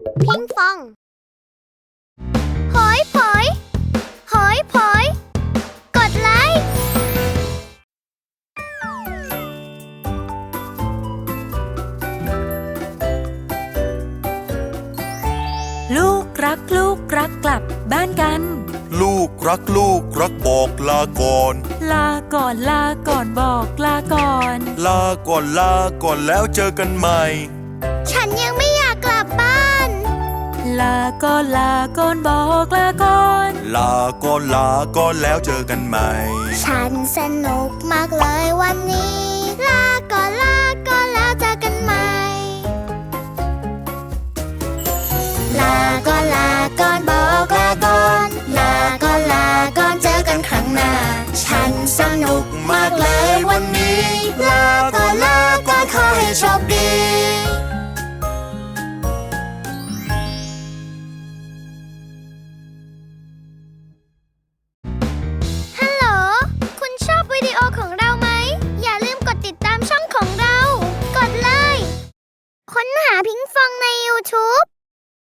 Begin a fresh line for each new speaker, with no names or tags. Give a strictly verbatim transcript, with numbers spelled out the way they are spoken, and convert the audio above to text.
พิงฟองหอยผอยหอยผอยกดไลค์
ลูกรักลูกรักกลับบ้านกัน
ลูกรักลูกรักบอกลาก่อน
ลาก่อนลาก่อนบอกลาก่อน
ลาก่อนลาก่อนแล้วเจอกันใหม่
ฉันยังไม่อยากกลับบ้าน
ลาก่อนลาก่อนบอกลาก่อน
ลาก่อนลาก่อนแล้วเจอกันใหม่
ฉันสนุกมากเลยวันนี้ลาก่อนลาก่อนแล้วเจอกันใหม่ลาก่อนลาก่อนบอกลาก่อนลาก่อนลาก่อนเจอกันครั้งหน้าฉันสนุกมากเลยวันนี้ลาก่อนลาก่อนขอให้โชคดี